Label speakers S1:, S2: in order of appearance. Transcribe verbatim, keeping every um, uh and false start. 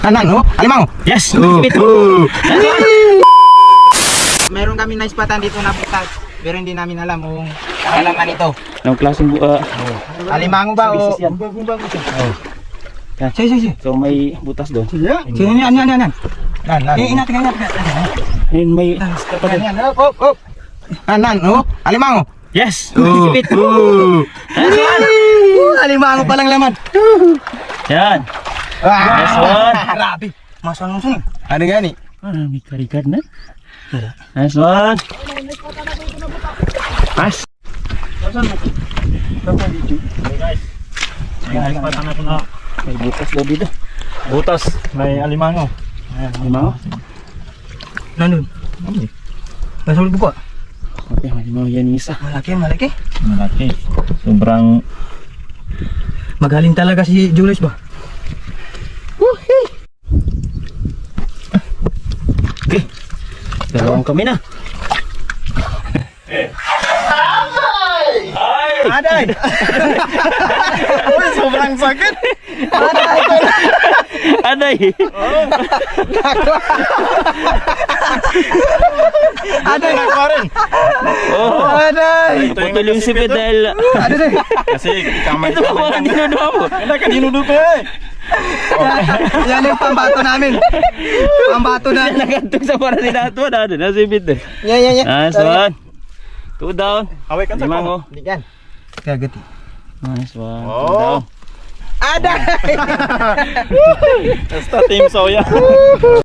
S1: Kanan, oh, alimango.
S2: Yes!
S1: Oh,
S2: Sipit.
S1: oh.
S3: Meron kami naispatan dito na butas, pero hindi namin alam kung alaman ito.
S2: Anong klaseng uh,
S3: Alimango ba o?
S2: Species yan.
S3: Oh.
S2: Yan.
S3: Sige, sige, sige.
S2: So may butas doon.
S3: Sige, yan, yan, yan, yan.
S1: Nan, nan.
S3: Eh, inatin, inatin.
S2: Ayun may...
S3: Yan, yan. Op, op, op.
S1: Kanan, oh, alimango.
S2: Yes!
S1: Oh,
S2: Sipit.
S1: oh.
S3: Uh, alimango palang laman.
S2: Yan. Nice
S1: Ah,
S2: one.
S3: Grabe. Masa nung sunod.
S1: ano gani?
S2: Ah, may karikad na. Nice one. Nice. May butas daw dito.
S4: Butas, may alimango. Ayan,
S2: Alimango?
S3: Nandun. Nasulog ko.
S2: Okay, alimango yan isa.
S3: Malaki, malaki.
S4: malaki. Sobrang
S3: Magaling talaga si Julius ba?
S2: Okay. Dalawang kami na.
S3: Aday!
S4: Uy, sobrang sakit.
S2: Aday!
S3: Aday!
S4: Nakakuha rin.
S2: Oh,
S3: Aday!
S2: putol yung sipit dahil...
S3: Aday!
S4: Kasi kamay
S2: Ito pa ang dinuduha mo.
S4: Hindi ka dinudupe eh.
S3: Yan yung pambato namin. Pambato na.
S2: Nakantong sa para ni Dato na. Nasipit eh.
S3: Yan, yan, yan.
S2: Nice one. Two down.
S4: Away ka sa
S2: Limango.
S3: Hindi yan. Kagati.
S2: Nice one. Two
S4: Oh.
S2: down.
S3: Aday!
S4: Basta team soya.